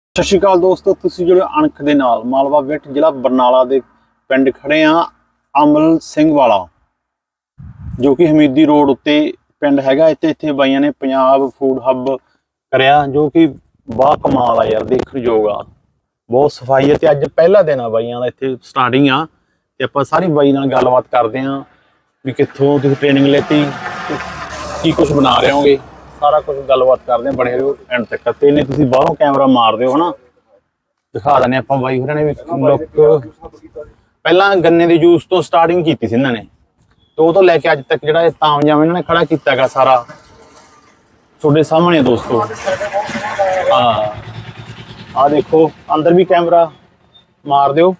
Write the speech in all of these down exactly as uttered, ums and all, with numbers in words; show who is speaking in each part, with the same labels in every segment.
Speaker 1: ਸਤਿ ਸ਼੍ਰੀ ਅਕਾਲ ਦੋਸਤੋ, ਤੁਸੀਂ ਜਿਹੜੇ ਅਣਖ ਦੇ ਨਾਲ ਮਾਲਵਾ ਵਿਟ ਜ਼ਿਲ੍ਹਾ ਬਰਨਾਲਾ ਦੇ ਪਿੰਡ ਖੜੇ ਆ ਅਮਲ ਸਿੰਘ ਵਾਲਾ, ਜੋ ਕਿ ਹਮੀਦੀ ਰੋਡ ਉੱਤੇ ਪਿੰਡ ਹੈਗਾ। ਇੱਥੇ ਇੱਥੇ ਬਾਈਆਂ ਨੇ ਪੰਜਾਬ ਫੂਡ ਹੱਬ ਕਰਿਆ, ਜੋ ਕਿ ਬਾ ਕਮਾਲ ਆ ਯਾਰ, ਦੇਖਣਯੋਗ ਆ। ਬਹੁਤ ਸਫਾਈ ਹੈ ਤੇ ਅੱਜ ਪਹਿਲਾ ਦਿਨ ਆ ਬਾਈਆਂ ਦਾ ਇੱਥੇ ਸਟਾਰਟਿੰਗ ਆ। ਤੇ ਆਪਾਂ ਸਾਰੀ ਬਾਈ ਨਾਲ ਗੱਲਬਾਤ ਕਰਦੇ ਆ ਵੀ ਕਿੱਥੋਂ ਤੁਸੀਂ ਟ੍ਰੇਨਿੰਗ ਲੈਤੀ, ਕੀ ਕੁਝ ਬਣਾ ਰਹੇ ਹੋਗੇ, ਸਾਰਾ ਕੁਝ ਗੱਲਬਾਤ ਕਰਦੇ ਆ। ਬਣੇ ਰਹੋ ਐਂਡ ਤੱਕ। ਤੇ ਇਹਨੇ ਤੁਸੀਂ ਬਾਹਰੋਂ ਕੈਮਰਾ ਮਾਰ ਦਿਓ ਹਨਾ, ਦਿਖਾ ਦਿੰਦੇ ਆਪਾਂ। ਬਾਈ ਹੋਰਾਂ ਨੇ ਵੀ ਲੋਕ ਪਹਿਲਾਂ ਗੰਨੇ ਦੇ ਜੂਸ ਤੋਂ ਸਟਾਰਟਿੰਗ ਕੀਤੀ ਸੀ ਇਹਨਾਂ ਨੇ, ਤੇ ਉਹ ਤੋਂ ਲੈ ਕੇ ਅੱਜ ਤੱਕ ਜਿਹੜਾ ਇਹ ਤਾਮਜਾਮ ਇਹਨਾਂ ਨੇ ਖੜਾ ਕੀਤਾ ਗਾ ਸਾਰਾ ਤੁਹਾਡੇ ਸਾਹਮਣੇ ਦੋਸਤੋ। ਹਾਂ ਆ ਦੇਖੋ, ਅੰਦਰ ਵੀ ਕੈਮਰਾ ਮਾਰ ਦਿਓ।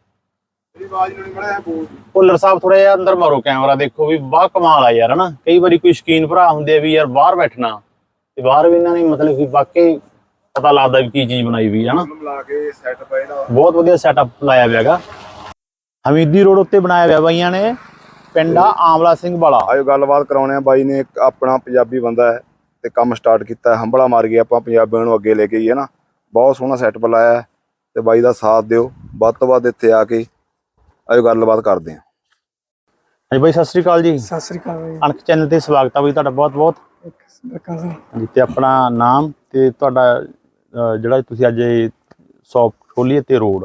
Speaker 1: ਭੁੱਲਰ ਸਾਹਿਬ ਥੋੜਾ ਜਿਹਾ ਅੰਦਰ ਮਾਰੋ ਕੈਮਰਾ, ਦੇਖੋ ਵੀ ਬਾਹ ਕਮਾਲ ਆ ਯਾਰ ਹਨਾ। ਕਈ ਵਾਰੀ ਕੋਈ ਸ਼ੌਕੀਨ ਭਰਾ ਹੁੰਦੇ ਆ ਵੀ ਯਾਰ ਬਾਹਰ ਬੈਠਣਾ, ਤੇ ਬਾਹਰ ਵੀ ਇਹਨਾਂ ਨੇ ਮਤਲਬ ਕਿ ਵਾਕਈ ਪਤਾ ਲੱਗਦਾ ਵੀ ਕੀ ਚੀਜ਼ ਬਣਾਈ ਵੀ ਹੈ ਨਾ। ਬਹੁਤ ਵਧੀਆ ਸੈਟਅਪ ਲਾਇਆ ਹੋਇਆ ਹੈਗਾ। ਹਮੀਦੀ ਰੋਡ ਉੱਤੇ ਬਣਾਇਆ ਹੋਇਆ ਬਾਈਆਂ ਨੇ, ਪਿੰਡ ਆ ਆਮਲਾ ਸਿੰਘ ਵਾਲਾ।
Speaker 2: ਆਇਓ ਗੱਲਬਾਤ ਕਰਾਉਣੇ ਆ। ਬਾਈ ਨੇ ਇੱਕ ਆਪਣਾ ਪੰਜਾਬੀ ਬੰਦਾ ਹੈ ਤੇ ਕੰਮ ਸਟਾਰਟ ਕੀਤਾ, ਹੰਬਲਾ ਮਾਰ ਗਿਆ। ਆਪਾਂ ਪੰਜਾਬੀਆਂ ਨੂੰ ਅੱਗੇ ਲੈ ਕੇ ਗਏ ਨਾ, ਬਹੁਤ ਸੋਹਣਾ ਸੈਟਅਪ ਲਾਇਆ ਤੇ ਬਾਈ ਦਾ ਸਾਥ ਦਿਓ ਵੱਧ ਤੋਂ ਵੱਧ। ਇੱਥੇ ਆ ਕੇ ਆਇਓ ਗੱਲਬਾਤ ਕਰਦੇ ਹਾਂ।
Speaker 1: ਹਾਂਜੀ ਬਾਈ, ਸਤਿ ਸ੍ਰੀ ਅਕਾਲ ਜੀ।
Speaker 3: ਸਤਿ ਸ੍ਰੀ ਅਕਾਲ ਬਾਈ।
Speaker 1: ਅਣਖ ਚੈਨਲ ਤੇ ਸਵਾਗਤ ਆ ਬਾਈ ਤੁਹਾਡਾ ਬਹੁਤ ਬਹੁਤ। ਹਾਂਜੀ, ਤੇ ਆਪਣਾ ਨਾਮ ਤੇ ਤੁਹਾਡਾ ਜਿਹੜਾ ਤੁਸੀਂ ਅੱਜ ਸ਼ੌਪ ਖੋਲੀ ਤੇ ਰੋਡ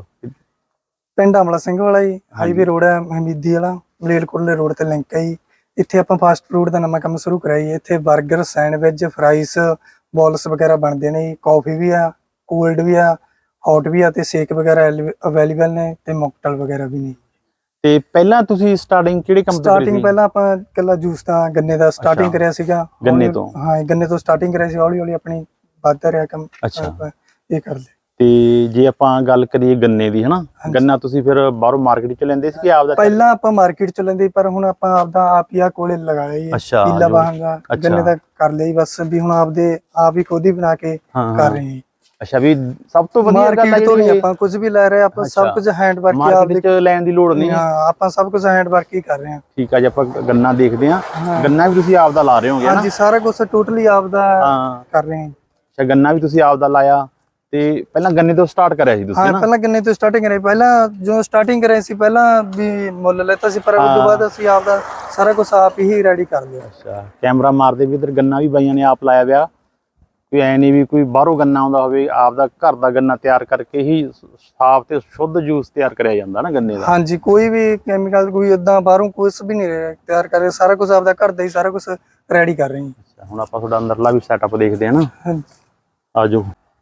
Speaker 3: ਪਿੰਡ ਅਮਲਾ ਸਿੰਘ ਵਾਲਾ ਜੀ, ਹਾਈਵੇ ਰੋਡ ਹੈ ਹਮੀਦੀ ਵਾਲਾ, ਮਲੇਰਕੋਟਲੇ ਰੋਡ ਤੇ ਲਿੰਕ ਹੈ ਜੀ। ਇੱਥੇ ਆਪਾਂ ਫਾਸਟ ਫੂਡ ਦਾ ਨਵਾਂ ਕੰਮ ਸ਼ੁਰੂ ਕਰਾਇਆ ਜੀ। ਇੱਥੇ 버ਗਰ, ਸੈਂਡਵਿਚ, ਫਰਾਈਸ, ਬੋਲਸ ਵਗੈਰਾ ਬਣਦੇ ਨੇ ਜੀ। ਕਾਫੀ ਵੀ ਆ, ਕੋਲਡ ਵੀ ਆ, ਹੌਟ ਵੀ ਆ, ਤੇ ਸ਼ੇਕ ਵਗੈਰਾ ਅਵੇਲੇਬਲ ਨੇ, ਤੇ ਮੌਕਟੇਲ ਵਗੈਰਾ ਵੀ ਨੇ।
Speaker 1: ਤੇ ਪਹਿਲਾਂ ਤੁਸੀਂ ਸਟਾਰਟਿੰਗ ਕਿਹੜੇ ਕੰਮ ਤੋਂ ਕਰੀ ਸੀ?
Speaker 3: ਸਟਾਰਟਿੰਗ ਪਹਿਲਾਂ ਆਪਾਂ ਇਕੱਲਾ ਜੂਸ ਦਾ ਗੰਨੇ ਦਾ ਸਟਾਰਟਿੰਗ ਕਰਿਆ ਸੀਗਾ।
Speaker 1: ਗੰਨੇ ਤੋਂ?
Speaker 3: ਹਾਂ, ਗੰਨੇ ਤੋਂ ਸਟਾਰਟਿੰਗ ਕਰਿਆ ਸੀ। ਹੌਲੀ ਹੌਲੀ ਆਪਣੀ ਵੱਧਦਾ ਰਿਹਾ ਕੰਮ।
Speaker 1: ਅੱਛਾ,
Speaker 3: ਇਹ ਕਰ ਲਿਆ।
Speaker 1: ਤੇ ਜੇ ਆਪਾਂ ਗੱਲ ਕਰੀਏ ਗੰਨੇ ਦੀ ਹਨਾ, ਗੰਨਾ ਤੁਸੀਂ ਫਿਰ ਬਾਹਰੋਂ ਮਾਰਕੀਟ ਚ ਲੈਂਦੇ ਸੀ ਕਿ ਆਪਦਾ?
Speaker 3: ਪਹਿਲਾਂ ਆਪਾਂ ਮਾਰਕੀਟ ਚ ਲੈਂਦੇ, ਪਰ ਹੁਣ ਆਪਾਂ ਆਪਦਾ ਆਪ ਹੀ ਆ ਕੋਲੇ ਲਗਾ ਲਿਆ ਜੀ।
Speaker 1: ਅੱਛਾ,
Speaker 3: ਪੀਲਾ ਬਾਹਾਂਗਾ ਗੰਨੇ ਦਾ ਕਰ ਲਿਆ ਜੀ ਬਸ। ਵੀ ਹੁਣ ਆਪਦੇ ਆਪ ਹੀ ਖੁਦ ਹੀ ਬਣਾ ਕੇ ਕਰ ਰਹੇ ਹਾਂ।
Speaker 1: ਅੱਛਾ, ਵੀ ਸਭ ਤੋਂ ਵਧੀਆ ਗੱਲ
Speaker 3: ਮਾਰਕੀਟ ਤੋਂ ਨਹੀਂ ਆਪਾਂ ਕੁਝ ਵੀ ਲੈ ਰਹੇ, ਆਪਾਂ ਸਭ ਕੁਝ ਹੈਂਡ ਵਰਕ ਹੀ
Speaker 1: ਮਾਰਕੀਟ ਚ ਲੈਣ ਦੀ ਲੋੜ ਨਹੀਂ।
Speaker 3: ਹਾਂ, ਆਪਾਂ ਸਭ ਕੁਝ ਹੈਂਡ ਵਰਕ ਹੀ ਕਰ ਰਹੇ ਹਾਂ।
Speaker 1: ਠੀਕ ਆ ਜੀ, ਆਪਾਂ ਗੰਨਾ ਦੇਖਦੇ ਹਾਂ। ਗੰਨਾ ਵੀ ਤੁਸੀਂ ਆਪਦਾ ਲਾ ਰਹੇ ਹੋਗੇ?
Speaker 3: ਹਾਂਜੀ, ਸਾਰਾ ਕੁਝ ਟੋਟਲੀ ਆਪਦਾ ਕਰ ਰਹੇ ਹਾਂ।
Speaker 1: ਅੱਛਾ, ਗੰਨਾ ਵੀ ਤੁਸੀਂ ਆਪਦਾ ਲਾਇਆ, ਤੇ ਪਹਿਲਾਂ ਗੰਨੇ ਤੋਂ ਸਟਾਰਟ ਕਰਿਆ ਸੀ ਤੁਸੀਂ?
Speaker 3: ਹਾਂ, ਪਹਿਲਾਂ ਗੰਨੇ ਤੋਂ ਸਟਾਰਟਿੰਗ ਕਰੀ। ਪਹਿਲਾਂ ਜੋ ਸਟਾਰਟਿੰਗ ਕਰੇ ਸੀ, ਪਹਿਲਾਂ ਵੀ ਮੁੱਲ ਲੈਤਾ ਸੀ, ਪਰ ਉਸ ਤੋਂ ਬਾਅਦ ਅਸੀਂ ਆਪਦਾ ਸਾਰਾ ਕੁਝ ਆਪ ਹੀ ਰੈਡੀ ਕਰ ਲਿਆ।
Speaker 1: ਅੱਛਾ, ਕੈਮਰਾ ਮਾਰਦੇ ਵੀ ਇਧਰ ਗੰਨਾ ਵੀ ਬਾਈਆਂ ਨੇ ਆਪ ਲਾਇਆ ਪਿਆ। ਕੋਈ ਐ ਨਹੀਂ ਵੀ ਕੋਈ ਬਾਹਰੋਂ ਗੰਨਾ ਆਉਂਦਾ ਹੋਵੇ, ਆਪਦਾ ਘਰ ਦਾ ਗੰਨਾ ਤਿਆਰ ਕਰਕੇ ਹੀ ਸਾਫ਼ ਤੇ ਸ਼ੁੱਧ ਜੂਸ ਤਿਆਰ ਕਰਿਆ ਜਾਂਦਾ ਨਾ ਗੰਨੇ ਦਾ।
Speaker 3: ਹਾਂਜੀ, ਕੋਈ ਵੀ ਕੈਮੀਕਲ, ਕੋਈ ਏਦਾਂ ਬਾਹਰੋਂ ਕੁਝ ਵੀ ਨਹੀਂ ਤਿਆਰ ਕਰ ਰਹੇ, ਸਾਰਾ ਕੁਝ ਆਪਦਾ ਘਰ ਦਾ ਹੀ ਸਾਰਾ ਕੁਝ ਰੈਡੀ ਕਰ ਰਹੇ ਹਾਂ।
Speaker 1: ਹੁਣ ਆਪਾਂ ਤੁਹਾਡਾ ਅੰਦਰਲਾ ਵੀ ਸੈਟਅਪ ਦੇਖਦੇ ਹਾਂ ਨਾ।
Speaker 3: ਹਾਂਜੀ,
Speaker 1: ਆਜੋ।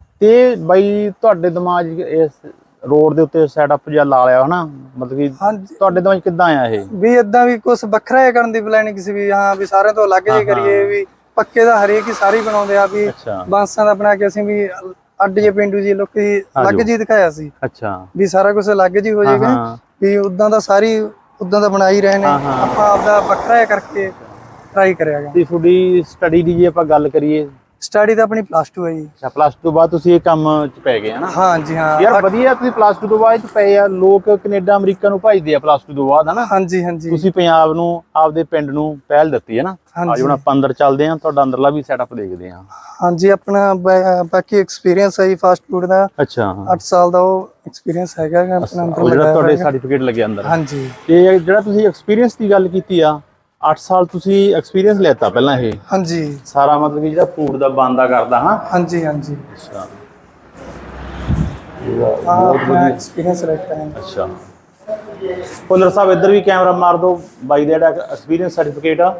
Speaker 1: ਤੇ ਬਾਈ ਤੁਹਾਡੇ ਦਿਮਾਗ ਇਸ ਰੋਡ ਦੇ ਉੱਤੇ ਸੈਟਅਪ ਜਿਹਾ ਲਾ ਲਿਆ ਹਨਾ, ਮਤਲਬ ਕਿ ਤੁਹਾਡੇ ਦਿਮਾਗ ਕਿੱਦਾਂ ਆਇਆ ਇਹ
Speaker 3: ਵੀ ਏਦਾਂ ਵੀ ਕੁਝ ਵੱਖਰਾ ਜਿਹਾ ਕਰਨ ਦੀ ਪਲੈਨਿੰਗ ਸੀ ਵੀ ਹਾਂ ਵੀ ਸਾਰਿਆਂ ਤੋਂ ਅਲੱਗ ਜਿਹਾ ਕਰੀਏ। ਵੀ ਪੱਕੇ ਦਾ ਹਰੇਕ ਹੀ ਸਾਰੇ ਬਣਾਉਂਦੇ ਆ, ਵੀ ਬਾਂਸਾਂ ਦਾ ਬਣਾ ਕੇ ਅਸੀਂ ਵੀ ਅੱਡ ਜੇ ਪਿੰਡੂ ਜੀ ਲੋਕੀ ਅਲੱਗ ਜੀ ਦਿਖਾਇਆ ਸੀ।
Speaker 1: ਅੱਛਾ, ਵੀ
Speaker 3: ਸਾਰਾ ਕੁਝ ਅਲੱਗ ਜੀ ਹੋ ਜਾਏਗਾ, ਵੀ ਉਦਾਂ ਦਾ ਸਾਰੀ ਉਦਾਂ ਦਾ ਬਣਾਈ ਰਹੇ ਨੇ। ਆਪਾਂ ਆਪਦਾ ਵੱਖਰਾ ਜਿਹਾ ਕਰਕੇ ਟਰਾਈ ਕਰਿਆਗਾ।
Speaker 1: ਤੇ ਤੁਹਾਡੀ ਸਟੱਡੀ ਦੀ ਜੇ ਆਪਾਂ ਗੱਲ ਕਰੀਏ?
Speaker 3: ਸਟੱਡੀ ਤਾਂ ਆਪਣੀ ਪਲੱਸ ਟੂ ਹੈ ਜੀ।
Speaker 1: ਅੱਛਾ, ਪਲੱਸ ਟੂ ਬਾਅਦ ਤੁਸੀਂ ਇਹ ਕੰਮ ਚ ਪੈ ਗਏ ਹਨਾ?
Speaker 3: ਹਾਂਜੀ ਹਾਂ
Speaker 1: ਯਾਰ ਵਧੀਆ, ਤੁਸੀਂ ਪਲੱਸ ਟੂ ਤੋਂ ਬਾਅਦ ਚ ਪਏ ਆ। ਲੋਕ ਕੈਨੇਡਾ ਅਮਰੀਕਾ ਨੂੰ ਭਜਦੇ ਆ ਪਲੱਸ ਟੂ ਤੋਂ ਬਾਅਦ ਹਨਾ।
Speaker 3: ਹਾਂਜੀ ਹਾਂਜੀ,
Speaker 1: ਤੁਸੀਂ ਪੰਜਾਬ ਨੂੰ, ਆਪਦੇ ਪਿੰਡ ਨੂੰ ਪਹਿਲ ਦਿੱਤੀ ਹੈ ਨਾ। ਅੱਜ ਹੁਣ ਆਪਾਂ ਅੰਦਰ ਚੱਲਦੇ ਆ, ਤੁਹਾਡਾ ਅੰਦਰਲਾ ਵੀ ਸੈਟਅਪ ਦੇਖਦੇ ਆ।
Speaker 3: ਹਾਂਜੀ, ਆਪਣਾ ਬਾਕੀ ਐਕਸਪੀਰੀਅੰਸ ਹੈ ਜੀ ਫਾਸਟ ਫੂਡ ਦਾ।
Speaker 1: ਅੱਛਾ,
Speaker 3: ਅੱਠ ਸਾਲ ਦਾ ਉਹ ਐਕਸਪੀਰੀਅੰਸ ਹੈਗਾ ਆਪਣਾ ਅੰਦਰ
Speaker 1: ਜਿਹੜਾ ਤੁਹਾਡੇ ਸਰਟੀਫਿਕੇਟ ਲੱਗਿਆ ਅੰਦਰ।
Speaker 3: ਹਾਂਜੀ,
Speaker 1: ਤੇ ਜਿਹੜਾ ਤੁਸੀਂ ਐਕਸਪੀਰੀਅੰਸ ਦੀ ਗੱਲ ਕੀਤੀ ਆ, ਅੱਠ ਸਾਲ ਤੁਸੀਂ ਐਕਸਪੀਰੀਅੰਸ ਲੈਤਾ ਪਹਿਲਾਂ ਇਹ?
Speaker 3: ਹਾਂਜੀ,
Speaker 1: ਸਾਰਾ ਮਤਲਬ ਕਿ ਜਿਹੜਾ ਫੂਡ ਦਾ ਬੰਦਾ ਕਰਦਾ ਹਾਂ।
Speaker 3: ਹਾਂਜੀ ਹਾਂਜੀ,
Speaker 1: ਅੱਛਾ,
Speaker 3: ਆਪਣਾ ਐਕਸਪੀਰੀਅੰਸ ਰੱਖਿਆ ਹੈ।
Speaker 1: ਅੱਛਾ, ਭੁੱਲਰ ਸਾਹਿਬ ਇੱਧਰ ਵੀ ਕੈਮਰਾ ਮਾਰ ਦਿਓ। ਬਾਈ ਦਾ ਜਿਹੜਾ ਐਕਸਪੀਰੀਅੰਸ ਸਰਟੀਫਿਕੇਟ ਆ,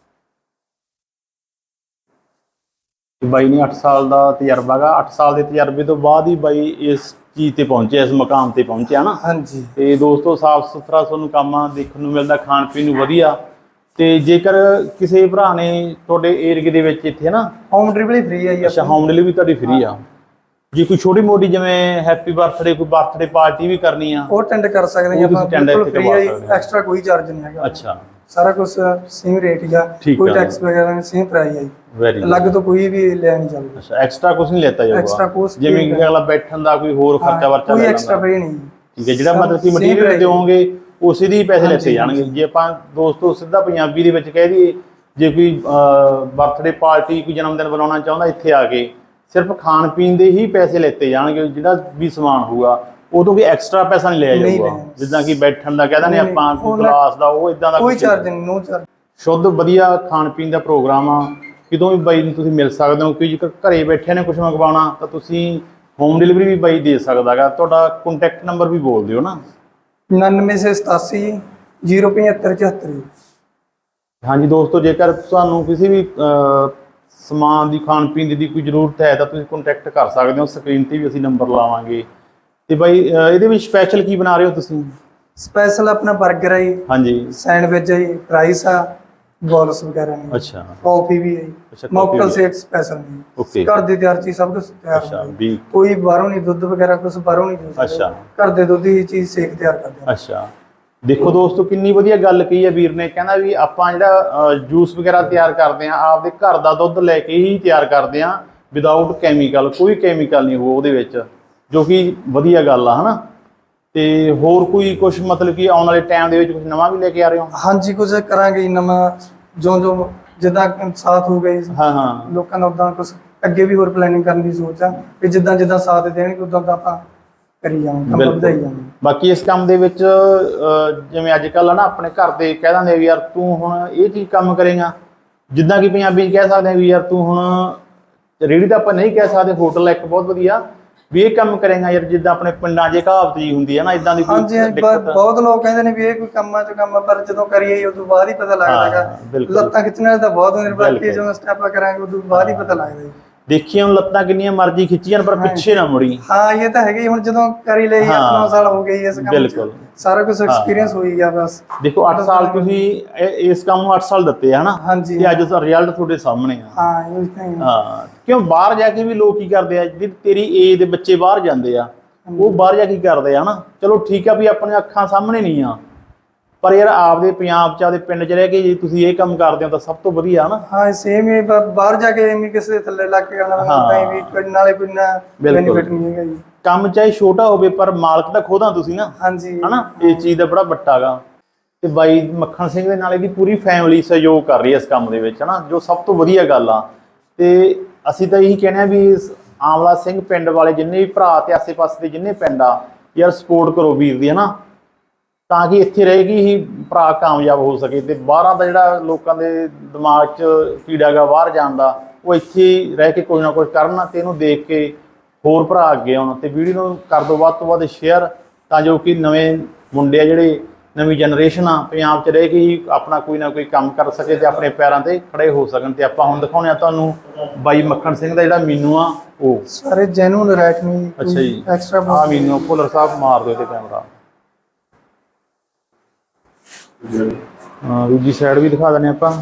Speaker 1: ਬਾਈ ਨੇ ਅੱਠ ਸਾਲ ਦਾ ਤਜਰਬਾ ਗਾ। ਅੱਠ ਸਾਲ ਦੇ ਤਜਰਬੇ ਤੋਂ ਬਾਅਦ ਹੀ ਬਾਈ ਇਸ ਚੀਜ਼ ਤੇ ਪਹੁੰਚਿਆ, ਇਸ ਮੁਕਾਮ ਤੇ ਪਹੁੰਚਿਆ ਨਾ।
Speaker 3: ਹਾਂਜੀ,
Speaker 1: ਤੇ ਦੋਸਤੋ, ਸਾਫ ਸੁਥਰਾ ਤੁਹਾਨੂੰ ਕੰਮ ਦੇਖਣ ਨੂੰ ਮਿਲਦਾ, ਖਾਣ ਪੀਣ ਨੂੰ ਵਧੀਆ। ਤੇ ਜੇਕਰ ਕਿਸੇ ਭਰਾ ਨੇ ਤੁਹਾਡੇ ਏਰੀਏ ਦੇ ਵਿੱਚ ਇੱਥੇ ਨਾ
Speaker 3: ਹੋਮ ਡਿਲੀਵਰੀ ਫ੍ਰੀ ਹੈ ਜੀ।
Speaker 1: ਅੱਛਾ, ਹੋਮ ਡਿਲੀਵਰੀ ਤੁਹਾਡੀ ਫ੍ਰੀ ਆ? ਜੇ ਕੋਈ ਛੋਟੀ ਮੋਟੀ ਜਿਵੇਂ ਹੈਪੀ ਬਰਥਡੇ, ਕੋਈ ਬਰਥਡੇ ਪਾਰਟੀ ਵੀ ਕਰਨੀ ਆ,
Speaker 3: ਉਹ ਅਟੈਂਡ ਕਰ ਸਕਦੇ ਆ ਆਪਾਂ, ਬਿਲਕੁਲ ਫ੍ਰੀ ਹੈ, ਐਕਸਟਰਾ ਕੋਈ ਚਾਰਜ ਨਹੀਂ ਹੈਗਾ।
Speaker 1: ਅੱਛਾ,
Speaker 3: ਸਾਰਾ ਕੁਝ ਸੇਮ ਰੇਟ ਹੀ ਆ, ਕੋਈ ਟੈਕਸ ਵਗੈਰਾ ਨਹੀਂ, ਸੇਮ ਪ੍ਰਾਈਸ ਹੈ ਜੀ।
Speaker 1: ਵੈਰੀ
Speaker 3: ਅਲੱਗ ਤੋਂ ਕੋਈ ਵੀ ਲੈ ਨਹੀਂ ਚੱਲਦਾ।
Speaker 1: ਅੱਛਾ, ਐਕਸਟਰਾ ਕੁਝ ਨਹੀਂ ਲੈਤਾ ਜਾਊਗਾ?
Speaker 3: ਐਕਸਟਰਾ ਕੁਝ
Speaker 1: ਜਿਵੇਂ ਕਿ ਅਗਲਾ ਬੈਠਣ ਦਾ ਕੋਈ ਹੋਰ ਖਰਚਾ ਵਰਚਾ
Speaker 3: ਕੋਈ ਐਕਸਟਰਾ ਪੇ ਨਹੀਂ।
Speaker 1: ਠੀਕ ਹੈ, ਜਿਹੜਾ ਮਤਲਬ ਕਿ ਮਟੀਰੀਅਲ ਦਿਓਗੇ ਉਸੇ ਦੀ ਪੈਸੇ ਲੈਤੇ ਜਾਣਗੇ। ਜੇ ਆਪਾਂ ਦੋਸਤੋ ਸਿੱਧਾ ਪੰਜਾਬੀ ਦੇ ਵਿੱਚ ਕਹਿ ਦਈਏ, ਜੇ ਕੋਈ ਬਰਥਡੇ ਪਾਰਟੀ, ਕੋਈ ਜਨਮ ਦਿਨ ਬਣਾਉਣਾ ਚਾਹੁੰਦਾ, ਇੱਥੇ ਆ ਕੇ ਸਿਰਫ ਖਾਣ ਪੀਣ ਦੇ ਹੀ ਪੈਸੇ ਲੈਤੇ ਜਾਣਗੇ, ਜਿਹੜਾ ਵੀ ਸਮਾਨ ਹੋਊਗਾ ਉਦੋਂ ਵੀ ਐਕਸਟਰਾ ਪੈਸਾ ਨਹੀਂ ਲਿਆ
Speaker 3: ਨਹੀਂ
Speaker 1: ਜਾਊਗਾ।
Speaker 3: ਲਿਆ।
Speaker 1: ਜਿੱਦਾਂ ਕਿ ਬੈਠਣ ਦਾ ਕਹਿੰਦਾ ਨੇ
Speaker 3: ਨਹੀਂ,
Speaker 1: ਆਪਾਂ
Speaker 3: ਉਹ
Speaker 1: ਕਲਾਸ ਦਾ, ਉਹ ਇਦਾਂ ਦਾ
Speaker 3: ਕੋਈ
Speaker 1: ਕੁਛ
Speaker 3: ਚਾਰਜ ਨਹੀਂ, ਨੋ ਚਾਰਜ।
Speaker 1: ਸ਼ੁੱਧ ਵਧੀਆ ਖਾਣ ਪੀਣ ਦਾ ਪ੍ਰੋਗਰਾਮ ਆ। ਕਿਤੋਂ ਵੀ ਬਾਈ ਨੂੰ ਤੁਸੀਂ ਮਿਲ ਸਕਦੇ ਹੋ, ਕਿ ਜੇਕਰ ਘਰੇ ਬੈਠੇ ਨੇ ਕੁਝ ਮੰਗਵਾਉਣਾ ਤਾਂ ਤੁਸੀਂ ਹੋਮ ਡਿਲੀਵਰੀ ਵੀ ਬਾਈ ਦੇ ਸਕਦਾ ਗਾ। ਤੁਹਾਡਾ ਕੰਟੈਕਟ ਨੰਬਰ ਵੀ ਬੋਲ ਦਿਓ ਨਾ।
Speaker 3: ਉਨਾਨਵੇਂ ਸੌ ਸਤਾਸੀ ਜ਼ੀਰੋ ਪਝੱਤਰ ਚੁਹੱਤਰ ਜੀ।
Speaker 1: ਹਾਂਜੀ ਦੋਸਤੋ, ਜੇਕਰ ਤੁਹਾਨੂੰ ਕਿਸੇ ਵੀ ਅਹ, ਸਮਾਨ ਦੀ ਖਾਣ ਪੀਣ ਦੀ ਕੋਈ ਜ਼ਰੂਰਤ ਹੈ ਤਾਂ ਤੁਸੀਂ ਕੰਟੈਕਟ ਕਰ ਸਕਦੇ ਹੋ। ਸਕਰੀਨ ਤੇ ਵੀ ਅਸੀਂ ਨੰਬਰ ਲਾਵਾਂਗੇ। ਤੇ ਬਾਈ ਅਹ, ਇਹਦੇ ਵਿੱਚ ਸਪੈਸ਼ਲ ਕੀ ਬਣਾ ਰਹੇ ਹੋ ਤੁਸੀਂ?
Speaker 3: ਸਪੈਸ਼ਲ ਆਪਣਾ 버ਗਰ ਹੈ ਜੀ,
Speaker 1: ਹਾਂਜੀ
Speaker 3: ਸੈਂਡਵਿਚ ਹੈ ਜੀ, ਫਰਾਈਸ ਆ, ਬੋਲਸ ਵਗੈਰਾ ਨੇ,
Speaker 1: ਅੱਛਾ
Speaker 3: ਕਾਫੀ ਵੀ ਹੈ ਜੀ,
Speaker 1: ਅੱਛਾ, coffee
Speaker 3: ਮੌਕਟੇਲ
Speaker 1: ਵੀ।
Speaker 3: ਸ਼ੇਕ ਸਪੈਸ਼ਲ ਨੇ,
Speaker 1: ਓਕੇ
Speaker 3: ਘਰ ਦੀ ਤਿਆਰ ਚੀਜ਼ ਸਭ ਕੁਝ ਤਿਆਰ
Speaker 1: ਅੱਛਾ
Speaker 3: ਹੁੰਦਾ ਜੀ।
Speaker 1: ਵੀ
Speaker 3: ਕੋਈ ਬਾਹਰੋਂ ਨਹੀਂ, ਦੁੱਧ ਵਗੈਰਾ ਕੁਝ ਬਾਹਰੋਂ ਨਹੀਂ ਜੂਸ
Speaker 1: ਅੱਛਾ
Speaker 3: ਘਰ ਦੇ ਦੁੱਧ ਦੀ ਚੀਜ਼ ਸ਼ੇਕ ਤਿਆਰ ਕਰਦੇ ਹਾਂ।
Speaker 1: ਅੱਛਾ ਦੇਖੋ ਦੋਸਤੋ, ਕਿੰਨੀ ਵਧੀਆ ਗੱਲ ਕਹੀ ਹੈ ਵੀਰ ਨੇ। ਕਹਿੰਦਾ ਵੀ ਆਪਾਂ ਜਿਹੜਾ ਜੂਸ ਵਗੈਰਾ ਤਿਆਰ ਕਰਦੇ ਹਾਂ ਆਪਦੇ ਘਰ ਦਾ ਦੁੱਧ ਲੈ ਕੇ ਹੀ ਤਿਆਰ ਕਰਦੇ ਹਾਂ, ਵਿਦਆਊਟ ਕੈਮੀਕਲ। ਕੋਈ ਕੈਮੀਕਲ ਨਹੀਂ ਹੋ ਉਹਦੇ ਵਿੱਚ, ਜੋ ਕਿ ਵਧੀਆ ਗੱਲ ਆ ਹਨਾ। ਤੇ ਹੋਰ ਕੋਈ ਕੁਝ ਮਤਲਬ ਕਿ ਆਉਣ ਵਾਲੇ ਟਾਈਮ ਦੇ ਵਿੱਚ ਕੁਝ ਨਵਾਂ ਵੀ ਲੈ ਕੇ ਆ ਰਹੇ ਹੋ?
Speaker 3: ਹਾਂਜੀ, ਕੁਝ ਕਰਾਂਗੇ ਜੀ ਨਵਾਂ, ਜੋ ਜੋ ਜਿੱਦਾਂ ਸਾਥ ਹੋ ਗਈ
Speaker 1: ਹਾਂ ਹਾਂ
Speaker 3: ਲੋਕਾਂ ਦਾ, ਉਦਾਂ ਕੁਝ ਅੱਗੇ ਵੀ ਹੋਰ ਪਲੈਨਿੰਗ ਕਰਨ ਦੀ ਸੋਚ ਆ ਵੀ ਜਿੱਦਾਂ ਜਿੱਦਾਂ ਸਾਥ ਦੇਣਗੇ ਉਦਾਂ ਦਾ ਆਪਾਂ ਕਰੀ ਜਾਵਾਂਗੇ, ਕੰਮ
Speaker 1: ਬਿਲਕੁਲ।
Speaker 3: ਵਧਾਈ ਜਾਵਾਂਗੇ।
Speaker 1: ਬਾਕੀ ਇਸ ਕੰਮ ਦੇ ਵਿੱਚ ਅਹ, ਜਿਵੇਂ ਅੱਜ ਕੱਲ੍ਹ ਨਾ ਆਪਣੇ ਘਰ ਦੇ ਕਹਿ ਦਿੰਦੇ ਵੀ ਯਾਰ ਤੂੰ ਹੁਣ ਇਹ ਚੀਜ਼ ਕੰਮ ਕਰੇਗਾ, ਜਿੱਦਾਂ ਕਿ ਪੰਜਾਬੀ 'ਚ ਕਹਿ ਸਕਦੇ ਹਾਂ ਵੀ ਯਾਰ ਤੂੰ ਹੁਣ ਰੇਹੜੀ ਤਾਂ ਆਪਾਂ ਨਹੀਂ ਕਹਿ ਸਕਦੇ, ਹੋਟਲ ਇੱਕ ਬਹੁਤ ਵਧੀਆ ਵੀ ਇਹ ਕੰਮ ਕਰੇਗਾ ਯਾਰ, ਜਿੱਦਾਂ ਆਪਣੇ ਪਿੰਡਾਂ 'ਚ ਕਹਾਵਤ ਜੀ ਹੁੰਦੀ ਹੈ ਨਾ, ਇਦਾਂ ਦੀ ਕੋਈ
Speaker 3: ਹਾਂਜੀ ਹਾਂਜੀ, ਬ-
Speaker 1: ਦਿੱਕਤ?
Speaker 3: ਬਹੁਤ ਲੋਕ ਕਹਿੰਦੇ ਨੇ ਵੀ ਇਹ ਕੋਈ ਕੰਮਾਂ ਚ ਕੰਮ ਆ, ਪਰ ਜਦੋਂ ਕਰੀਏ ਉਦੋਂ ਬਾਅਦ ਹੀ ਪਤਾ ਲੱਗਦਾ
Speaker 1: ਹਾਂ,
Speaker 3: ਹੈਗਾ।
Speaker 1: ਬਿਲਕੁਲ।
Speaker 3: ਲੱਤਾਂ ਖਿੱਚਣ ਤਾਂ ਬਹੁਤ ਹੁੰਦੇ ਨੇ, ਬਾਕੀ
Speaker 1: ਬਿਲਕੁਲ।
Speaker 3: ਜਦੋਂ ਸਟੈਪ ਕਰਾਂਗੇ ਉਦੋਂ ਬਾਅਦ ਹੀ ਪਤਾ ਲੱਗਦਾ ਜੀ।
Speaker 1: ਦੇਖੀ ਹੁਣ ਲੱਤਾਂ ਕਿੰਨੀਆਂ ਮਰਜ਼ੀ ਖਿੱਚੀ ਜਾਣ ਪਰ ਪਿੱਛੇ ਨਾ ਮੁੜੀ।
Speaker 3: ਹਾਂ ਇਹ ਤਾਂ ਹੈਗਾ ਹੀ, ਹੁਣ ਜਦੋਂ ਕਰੀ ਲਈ
Speaker 1: ਹਾਂ,
Speaker 3: ਅੱਠ ਨੌ ਸਾਲ ਹੋ ਗਏ ਇਸ ਕੰਮ 'ਚ,
Speaker 1: ਬਿਲਕੁਲ।
Speaker 3: ਸਾਰਾ ਕੁਝ ਐਕਸਪੀਰੀਅੰਸ ਹੋ ਹੀ ਗਿਆ ਬਸ।
Speaker 1: ਦੇਖੋ ਅੱਠ ਸਾਲ ਤੁਸੀਂ ਇਹ- ਇਸ ਕੰਮ ਨੂੰ ਅੱਠ ਸਾਲ ਦਿੱਤੇ ਆ ਹਨਾ,
Speaker 3: ਹਾਂਜੀ
Speaker 1: ਤੇ ਅੱਜ ਦਾ ਰਿਜ਼ਲਟ ਤੁਹਾਡੇ ਸਾਹਮਣੇ ਆ।
Speaker 3: ਹਾਂ ਇਹ ਤਾਂ ਹੀ।
Speaker 1: ਹਾਂ, ਕਿਉਂ ਬਾਹਰ ਜਾ ਕੇ ਵੀ ਲੋਕ ਕੀ ਕਰਦੇ ਆ, ਜਿਹੜੀ ਤੇਰੀ ਏਜ ਦੇ ਬੱਚੇ ਬਾਹਰ ਜਾਂਦੇ ਆ, ਉਹ ਬਾਹਰ ਜਾ ਕੇ ਕੀ ਕਰਦੇ ਆ ਹਨਾ। ਚਲੋ ਠੀਕ ਆ ਵੀ ਆਪਣੀਆਂ ਅੱਖਾਂ ਸਾਹਮਣੇ ਨਹੀਂ ਆ, ਪਰ ਯਾਰ ਆਪਦੇ ਪੰਜਾਬ 'ਚ ਆਪਦੇ ਪਿੰਡ 'ਚ ਰਹਿ ਕੇ ਜੇ ਤੁਸੀਂ ਇਹ ਕੰਮ ਕਰਦੇ ਹੋ ਤਾਂ ਸਭ ਤੋਂ ਵਧੀਆ ਹਨਾ।
Speaker 3: ਹਾਂ ਸੇਮ ਹੀ, ਬ- ਬਾਹਰ ਜਾ ਕੇ ਐਵੇਂ ਕਿਸੇ ਦੇ ਥੱਲੇ ਲੱਗ ਕੇ ਆਉਣਾ,
Speaker 1: ਹਾਂ।
Speaker 3: ਤਾਂ ਵੀ ਕੋਈ ਨਾਲੇ ਕੋਈ ਨਾ
Speaker 1: ਬਿਲਕੁਲ।
Speaker 3: ਬੈਨੀਫਿਟ ਨਹੀਂ ਹੈਗਾ ਜੀ।
Speaker 1: ਕੰਮ ਚਾਹੇ ਛੋਟਾ ਹੋਵੇ ਪਰ ਮਾਲਕ ਤਾਂ ਖੁਦ ਆ ਤੁਸੀਂ ਨਾ,
Speaker 3: ਹਾਂਜੀ
Speaker 1: ਹਨਾ। ਇਹ ਚੀਜ਼ ਦਾ ਬੜਾ ਵੱਡਾ ਗਾ। ਤੇ ਬਾਈ ਮੱਖਣ ਸਿੰਘ ਦੇ ਨਾਲ ਇਹਦੀ ਪੂਰੀ ਫੈਮਿਲੀ ਸਹਿਯੋਗ ਕਰ ਰਹੀ ਹੈ ਇਸ ਕੰਮ ਦੇ ਵਿੱਚ ਹਨਾ, ਜੋ ਸਭ ਤੋਂ ਵਧੀਆ ਗੱਲ ਆ। ਤੇ ਅਸੀਂ ਤਾਂ ਇਹੀ ਕਹਿੰਦੇ ਆ ਵੀ ਇਸ ਆਮਲਾ ਸਿੰਘ ਪਿੰਡ ਵਾਲੇ ਜਿੰਨੇ ਵੀ ਭਰਾ ਤੇ ਆਸੇ ਪਾਸੇ ਦੇ ਜਿੰਨੇ ਪਿੰਡ ਆ ਯਾਰ, ਸਪੋਰਟ ਕਰੋ ਵੀਰ ਦੀ ਹਨਾ, ਤਾਂ ਕਿ ਇੱਥੇ ਰਹੇਗੀ ਹੀ ਭਰਾ ਕਾਮਯਾਬ ਹੋ ਸਕੇ। ਤੇ ਬਾਹਰਾਂ ਦਾ ਜਿਹੜਾ ਲੋਕਾਂ ਦੇ ਦਿਮਾਗ 'ਚ ਕੀੜਾ ਗਾ ਬਾਹਰ ਜਾਣ ਦਾ, ਉਹ ਇੱਥੇ ਹੀ ਰਹਿ ਕੇ ਕੋਈ ਨਾ ਕੁਝ ਕਰਨ ਤੇ ਇਹਨੂੰ ਦੇਖ ਕੇ ਹੋਰ ਭਰਾ ਅੱਗੇ ਆਉਣ। ਤੇ ਵੀਡੀਓ ਨੂੰ ਕਰ ਦਿਓ ਵੱਧ ਤੋਂ ਵੱਧ ਸ਼ੇਅਰ, ਤਾਂ ਜੋ ਕਿ ਨਵੇਂ ਮੁੰਡੇ ਆ ਜਿਹੜੇ, ਨਵੀਂ ਜਨਰੇਸ਼ਨ ਆ, ਪੰਜਾਬ 'ਚ ਰਹਿ ਕੇ ਹੀ ਆਪਣਾ ਕੋਈ ਨਾ ਕੋਈ ਕੰਮ ਕਰ ਸਕੇ ਤੇ ਆਪਣੇ ਪੈਰਾਂ ਤੇ ਖੜੇ ਹੋ ਸਕਣ। ਤੇ ਆਪਾਂ ਹੁਣ ਦਿਖਾਉਂਦੇ ਆ ਤੁਹਾਨੂੰ ਬਾਈ ਮੱਖਣ ਸਿੰਘ ਦਾ ਜਿਹੜਾ ਮੀਨੂ ਆ ਉਹ।
Speaker 3: ਸਾਰੇ ਜੈਨੂਨ ਰੈਟ ਨਹੀਂ।
Speaker 1: ਅੱਛਾ ਜੀ,
Speaker 3: ਐਕਸਟਰਾ
Speaker 1: ਆ ਮੀਨੂ ਭੁੱਲਰ ਸਾਹਿਬ ਮਾਰ ਦਿਓ ਤੇ ਕੈਮਰਾ। ਹਾਂ ਦੂਜੀ ਸਾਈਡ ਵੀ ਦਿਖਾ ਦਿੰਦੇ ਆਪਾਂ।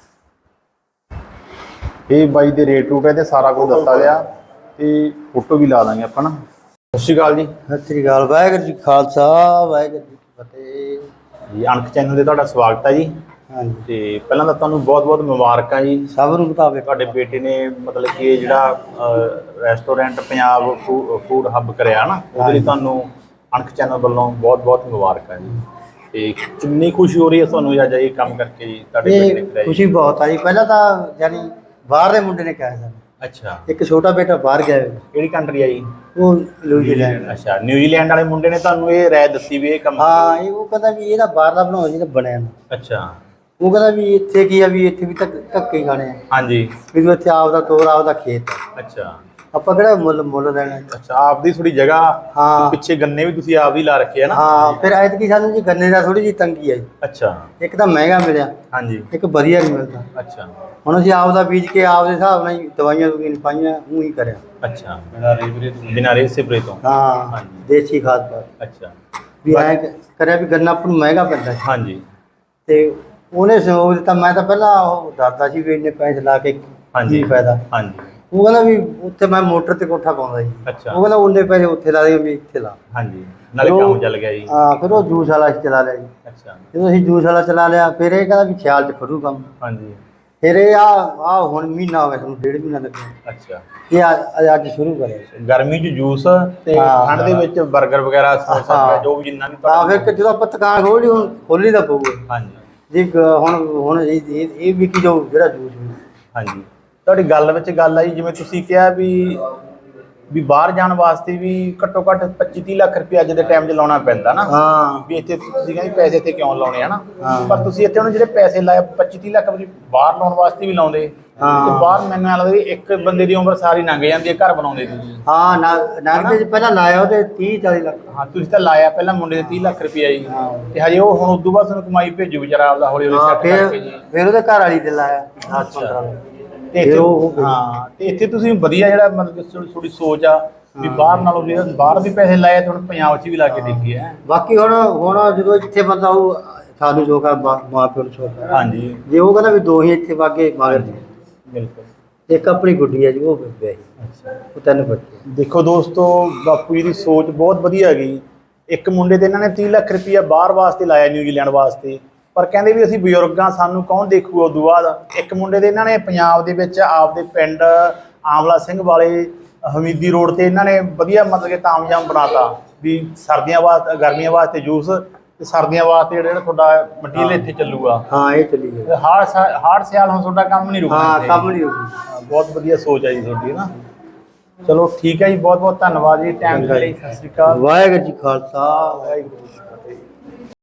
Speaker 1: ਇਹ ਬਾਈ ਦੇ ਰੇਟ ਰੂਟ ਹੈ ਤੇ ਸਾਰਾ ਕੁਝ ਦੱਸਾ ਗਿਆ, ਤੇ ਫੋਟੋ ਵੀ ਲਾ ਦਾਂਗੇ ਆਪਾਂ ਨਾ। ਸਤਿ ਸ਼੍ਰੀ ਅਕਾਲ ਜੀ।
Speaker 4: ਸਤਿ ਸ੍ਰੀ ਅਕਾਲ। ਵਾਹਿਗੁਰੂ ਜੀ ਖਾਲਸਾ, ਵਾਹਿਗੁਰੂ ਜੀ ਕੀ ਫਤਿਹ।
Speaker 1: ਜੀ ਅਣਖ ਚੈਨਲ ਤੇ ਤੁਹਾਡਾ ਸਵਾਗਤ ਹੈ ਜੀ।
Speaker 4: ਹਾਂਜੀ,
Speaker 1: ਤੇ ਪਹਿਲਾਂ ਤਾਂ ਤੁਹਾਨੂੰ ਬਹੁਤ ਬਹੁਤ ਮੁਬਾਰਕਾਂ ਜੀ।
Speaker 4: ਸਭ ਨੂੰ ਮੁਤਾਬਿਕ
Speaker 1: ਤੁਹਾਡੇ ਬੇਟੇ ਨੇ ਮਤਲਬ ਕਿ ਇਹ ਜਿਹੜਾ ਰੈਸਟੋਰੈਂਟ ਪੰਜਾਬ ਫੂਡ ਹੱਬ ਕਰਿਆ ਨਾ, ਉਹਦੇ ਲਈ ਤੁਹਾਨੂੰ ਅਣਖ ਚੈਨਲ ਵੱਲੋਂ ਬਹੁਤ ਬਹੁਤ ਮੁਬਾਰਕਾਂ ਜੀ। ਤੇ ਕਿੰਨੀ ਖੁਸ਼ੀ ਹੋ ਰਹੀ ਹੈ ਤੁਹਾਨੂੰ ਅੱਜ ਇਹ ਕੰਮ ਕਰਕੇ ਜੀ, ਤੁਹਾਡੇ ਬੇਟੇ ਨੇ
Speaker 4: ਇਹ
Speaker 1: ਕਰਾਇਆ ਜੀ?
Speaker 4: ਖੁਸ਼ੀ ਬਹੁਤ ਆ ਜੀ। ਪਹਿਲਾਂ ਤਾਂ ਯਾਨੀ ਬਾਹਰ ਦੇ ਮੁੰਡੇ ਨੇ ਕਿਹਾ ਸਾਨੂੰ,
Speaker 1: ਅੱਛਾ,
Speaker 4: ਇੱਕ ਛੋਟਾ ਬੇਟਾ ਬਾਹਰ ਗਿਆ ਹੋਇਆ,
Speaker 1: ਕਿਹੜੀ ਕੰਟਰੀ ਆ ਜੀ?
Speaker 4: ਉਹ ਨਿਊਜ਼ੀਲੈਂਡ।
Speaker 1: ਅੱਛਾ, ਨਿਊਜ਼ੀਲੈਂਡ ਵਾਲੇ ਮੁੰਡੇ ਨੇ ਤੁਹਾਨੂੰ ਇਹ ਰਾਏ ਦਿੱਤੀ ਵੀ ਇਹ ਕੰਮ?
Speaker 4: ਹਾਂ, ਇਹ ਉਹ ਕਹਿੰਦਾ ਵੀ ਇਹਦਾ ਬਾਹਰ ਦਾ ਬਣਾਓ ਜਿਹੜਾ ਬਣਿਆ ਨਾ।
Speaker 1: ਅੱਛਾ,
Speaker 4: ਉਹ ਕਹਿੰਦਾ ਵੀ ਇੱਥੇ ਕੀ ਆ, ਵੀ ਇੱਥੇ ਵੀ ਧੱਕ- ਧੱਕੇ ਹੀ ਖਾਣੇ ਆ,
Speaker 1: ਹਾਂਜੀ,
Speaker 4: ਵੀ ਤੂੰ ਇੱਥੇ ਆਪਦਾ ਤੋਰ, ਆਪਦਾ ਖੇਤ ਆ,
Speaker 1: ਅੱਛਾ
Speaker 4: ਆਪਾਂ ਕਿਹੜਾ ਮੁੱਲ ਮੁੱਲ ਦੇਣਾ।
Speaker 1: ਅੱਛਾ, ਆਪਦੀ ਥੋੜੀ ਜਗ੍ਹਾ,
Speaker 4: ਹਾਂ
Speaker 1: ਪਿੱਛੇ ਗੰਨੇ ਵੀ ਤੁਸੀਂ ਆਪ ਹੀ ਲਾ ਰੱਖੇ ਆ ਨਾ?
Speaker 4: ਹਾਂ, ਫਿਰ ਐਤਕੀ ਸਾਨੂੰ ਜੀ ਗੰਨੇ ਦਾ ਥੋੜੀ ਜਿਹੀ ਤੰਗੀ ਆ ਜੀ।
Speaker 1: ਅੱਛਾ,
Speaker 4: ਇੱਕ ਤਾਂ ਮਹਿੰਗਾ ਮਿਲਿਆ,
Speaker 1: ਹਾਂਜੀ,
Speaker 4: ਇੱਕ ਵਧੀਆ ਨਹੀਂ ਮਿਲਦਾ।
Speaker 1: ਅੱਛਾ
Speaker 4: ਹੁਣ ਅਸੀਂ ਆਪਦਾ ਬੀਜ ਕੇ ਆਪਦੇ ਹਿਸਾਬ ਨਾਲ ਹੀ ਦਵਾਈਆਂ ਦੂਈਆਂ ਨਹੀਂ ਪਾਈਆਂ, ਉਹ ਹੀ ਕਰਿਆ।
Speaker 1: ਅੱਛਾ, ਬਿਨਾਂ ਰੇ ਸਪਰੇ ਤੋਂ?
Speaker 4: ਹਾਂ,
Speaker 1: ਹਾਂਜੀ।
Speaker 4: ਦੇਸੀ ਖਾਦ ਪਾ
Speaker 1: ਅੱਛਾ,
Speaker 4: ਵੀ ਐਂ ਕ- ਕਰਿਆ ਵੀ ਗੰਨਾ ਆਪਾਂ ਨੂੰ ਮਹਿੰਗਾ ਪੈਂਦਾ ਸੀ।
Speaker 1: ਹਾਂਜੀ,
Speaker 4: ਤੇ ਉਹਨੇ ਸਹਿਯੋਗ ਦਿੱਤਾ। ਮੈਂ ਤਾਂ ਪਹਿਲਾਂ ਉਹ ਡਰਦਾ ਸੀ ਵੀ ਇੰਨੇ ਪੈਸੇ ਲਾ ਕੇ
Speaker 1: ਹਾਂਜੀ,
Speaker 4: ਕੀ ਫਾਇਦਾ।
Speaker 1: ਹਾਂਜੀ,
Speaker 4: ਉਹ ਕਹਿੰਦਾ ਵੀ ਉੱਥੇ ਮੈਂ ਮੋਟਰ ਤੇ ਕੋਠਾ ਪਾਉਂਦਾ ਸੀ,
Speaker 1: ਅੱਛਾ,
Speaker 4: ਉਹ ਕਹਿੰਦਾ ਉਹਨੇ ਪੈਸੇ ਉੱਥੇ ਲਾ ਦੇ ਵੀ ਇੱਥੇ ਲਾ।
Speaker 1: ਹਾਂਜੀ, ਨਾਲੇ
Speaker 4: ਉਹ-
Speaker 1: ਕੰਮ ਚੱਲ ਗਿਆ ਜੀ।
Speaker 4: ਹਾਂ, ਫਿਰ ਉਹ ਜੂਸ ਵਾਲਾ ਅਸੀਂ ਚਲਾ ਲਿਆ ਜੀ।
Speaker 1: ਅੱਛਾ,
Speaker 4: ਜਦੋਂ ਅਸੀਂ ਜੂਸ ਵਾਲਾ ਚਲਾ ਲਿਆ, ਫਿਰ ਇਹ ਕਹਿੰਦਾ ਵੀ ਖਿਆਲ ਚ ਖੜੂ ਕੰਮ।
Speaker 1: ਹਾਂਜੀ,
Speaker 4: ਫਿਰ ਇਹ ਆ ਆ ਹੁਣ ਮਹੀਨਾ ਹੋ ਗਿਆ, ਤੁਹਾਨੂੰ ਡੇਢ ਮਹੀਨਾ ਲੱਗਿਆ।
Speaker 1: ਅੱਛਾ,
Speaker 4: ਇਹ ਅੱਜ ਅੱਜ ਸ਼ੁਰੂ ਕਰਿਆ।
Speaker 1: ਗਰਮੀ 'ਚ ਜੂਸ ਤੇ
Speaker 4: ਹਾਂ,
Speaker 1: ਠੰਡ ਦੇ ਵਿੱਚ 버ਗਰ ਵਗੈਰਾ, ਸਮੋਸਾ
Speaker 4: ਹਾਂ।
Speaker 1: ਵਗੈਰਾ, ਜੋ ਵੀ ਜਿੰਨਾ ਵੀ
Speaker 4: ਹਾਂ, ਫਿਰ ਕਿ ਜਦੋਂ ਆਪਾਂ ਦੁਕਾਨ ਖੋਲੀ, ਹੁਣ ਖੋਲੀ ਦਾ ਪਊਗਾ
Speaker 1: ਹਾਂਜੀ,
Speaker 4: ਜੀ। ਗ- ਹੁਣ ਹੁਣ ਇਹ ਇਹ ਇਹ ਵੀ ਕੀ ਜੋ ਜਿਹੜਾ ਜੂਸ ਵੀ
Speaker 1: ਹਾਂਜੀ, ਤੁਹਾਡੀ ਗੱਲ ਵਿੱਚ ਗੱਲ ਆਈ ਜਿਵੇਂ ਤੁਸੀਂ ਕਿਹਾ ਵੀ ਵੀ ਬਾਹਰ ਜਾਣ ਵਾਸਤੇ ਵੀ ਘੱਟੋ ਘੱਟ ਪੱਚੀ ਤੀਹ ਲੱਖ ਰੁਪਏ ਅੱਜ ਦੇ ਟਾਈਮ 'ਚ ਲਾਉਣਾ ਪੈਂਦਾ ਨਾ।
Speaker 4: ਹਾਂ
Speaker 1: ਵੀ ਇੱਥੇ ਤੁਸੀਂ ਕਹਿੰਦੇ ਪੈਸੇ ਇੱਥੇ ਕਿਉਂ ਲਾਉਣੇ ਹਨਾ,
Speaker 4: ਹਾਂ।
Speaker 1: ਪਰ ਤੁਸੀਂ ਇੱਥੇ ਉਹਨੂੰ ਜਿਹੜੇ ਪੈਸੇ ਲਾਏ ਪੱਚੀ ਤੀਹ ਲੱਖ ਰੁਪਏ ਬਾਹਰ ਲਾਉਣ ਵਾਸਤੇ ਵੀ ਲਾਉਂਦੇ,
Speaker 4: ਹਾਂ।
Speaker 1: ਤੇ ਬਾਹਰ ਮੈਨੂੰ ਐਂ ਲੱਗਦਾ ਵੀ ਇੱਕ ਬੰਦੇ ਦੀ ਉਮਰ ਸਾਰੀ ਲੰਘ ਜਾਂਦੀ ਹੈ ਘਰ ਬਣਾਉਂਦੇ ਦੀ।
Speaker 4: ਹਾਂ ਨਾ ਨਾਨਕੇ ਜੀ ਪਹਿਲਾਂ ਲਾਇਆ ਉਹਦੇ ਤੀਹ ਚਾਲੀ ਲੱਖ।
Speaker 1: ਹਾਂ ਤੁਸੀਂ ਤਾਂ ਲਾਇਆ ਪਹਿਲਾਂ ਮੁੰਡੇ ਦੇ ਤੀਹ ਲੱਖ ਰੁਪਏ ਜੀ,
Speaker 4: ਹਾਂ।
Speaker 1: ਤੇ ਹਜੇ ਉਹ ਹੁਣ ਉਦੋਂ ਬਾਅਦ ਤੁਹਾਨੂੰ ਕਮਾਈ ਭੇਜੂ ਵਿਚਾਰਾ ਆਪਦਾ ਹੌਲੀ ਹੌਲੀ
Speaker 4: ਹਾਂ
Speaker 1: ਸੈੱਟ
Speaker 4: ਫਿਰ
Speaker 1: ਕਰਕੇ ਜੀ।
Speaker 4: ਫਿਰ ਉਹਦੇ ਘਰ ਵਾਲੀ ਤੇ ਲਾਇਆ ਦਸ ਪੰਦਰਾਂ ਲੱਖ।
Speaker 1: ਤੇ ਇੱਥੇ
Speaker 4: ਫਿਰ ਉਹ-
Speaker 1: ਹਾਂ ਤੇ ਇੱਥੇ ਤੁਸੀਂ ਵਧੀਆ ਜਿਹੜਾ ਮਤਲਬ ਕਿ ਥੋੜੀ ਥੋੜੀ ਸੋਚ ਆ ਵੀ ਬਾਹਰ ਨਾਲੋਂ ਜਿਹੜਾ ਬਾਹਰ ਵੀ ਪੈਸੇ ਲਾਏ ਤੇ ਹੁਣ ਪੰਜਾਬ 'ਚ ਵੀ ਲਾ ਕੇ ਦੇਖੀਏ ਹੈ।
Speaker 4: ਬਾਕੀ ਹੁਣ ਹੁਣ ਜਦੋਂ ਇੱਥੇ ਬੰਦਾ ਉਹ ਸਾਨੂੰ ਜੋ ਕਾ ਮਾਂ ਪਿਓ ਨੂੰ ਛੋੜਦਾ
Speaker 1: ਹਾਂਜੀ
Speaker 4: ਜੇ ਉਹ ਕਹਿੰਦਾ ਵੀ ਦੋ ਹੀ ਇੱਥੇ ਵਾਗੇ ਮਗਰ ਜੀ
Speaker 1: ਬਿਲਕੁਲ।
Speaker 4: ਇੱਕ ਆਪਣੀ ਗੁੱਡੀ ਹੈ ਜੀ ਉਹ ਵਿਆਹੀ ਉਹ ਤਿੰਨ ਬੱਚੇ।
Speaker 1: ਦੇਖੋ ਦੋਸਤੋ ਬਾਪੂ ਜੀ ਦੀ ਸੋਚ ਬਹੁਤ ਵਧੀਆ ਹੈਗੀ। ਇੱਕ ਮੁੰਡੇ ਤੇ ਇਹਨਾਂ ਨੇ ਤੀਹ ਲੱਖ ਰੁਪਈਆ ਬਾਹਰ ਵਾਸਤੇ ਲਾਇਆ ਨਿਊਜ਼ੀਲੈਂਡ ਵਾਸਤੇ, ਪਰ ਕਹਿੰਦੇ ਵੀ ਅਸੀਂ ਬਜ਼ੁਰਗਾਂ ਸਾਨੂੰ ਕੌਣ ਦੇਖੂਗਾ ਉਦੋਂ ਬਾਅਦ। ਇੱਕ ਮੁੰਡੇ ਦੇ ਇਹਨਾਂ ਨੇ ਪੰਜਾਬ ਦੇ ਵਿੱਚ ਆਪਦੇ ਪਿੰਡ ਆਮਲਾ ਸਿੰਘ ਵਾਲੇ ਹਮੀਦੀ ਰੋਡ ਤੇ ਇਹਨਾਂ ਨੇ ਵਧੀਆ ਮਤਲਬ ਕਿ ਤਾਮਜਾਮ ਬਣਾਤਾ ਵੀ ਸਰਦੀਆਂ ਵਾਸਤੇ ਗਰਮੀਆਂ ਵਾਸਤੇ ਜੂਸ ਤੇ ਸਰਦੀਆਂ ਵਾਸਤੇ ਜਿਹੜਾ ਤੁਹਾਡਾ ਮਟੀਰੀਅਲ ਇੱਥੇ ਚੱਲੂਗਾ।
Speaker 4: ਹਾਂ ਇਹ ਚੱਲੀ ਗਈ।
Speaker 1: ਹਾਰ ਹਾਰ ਸਿਆਲ ਹੁਣ ਤੁਹਾਡਾ ਕੰਮ ਨਹੀਂ ਰੁਕਣਾ
Speaker 4: ਹਾਂ
Speaker 1: ਇੱਥੇ।
Speaker 4: ਕੰਮ ਨਹੀਂ ਹੋਊਗੀ।
Speaker 1: ਹਾਂ, ਬਹੁਤ ਵਧੀਆ ਸੋਚ ਹੈ ਜੀ ਤੁਹਾਡੀ ਨਾ। ਚਲੋ ਠੀਕ ਹੈ ਜੀ, ਬਹੁਤ ਬਹੁਤ ਧੰਨਵਾਦ ਜੀ ਟਾਈਮ ਦੇ ਲਈ। ਸਤਿ ਸ਼੍ਰੀ ਅਕਾਲ।
Speaker 4: ਵਾਹਿਗੁਰੂ ਜੀ ਖਾਲਸਾ
Speaker 1: ਵਾਹਿਗੁਰੂ ਜੀ ਕੀ ਫਤਿਹ।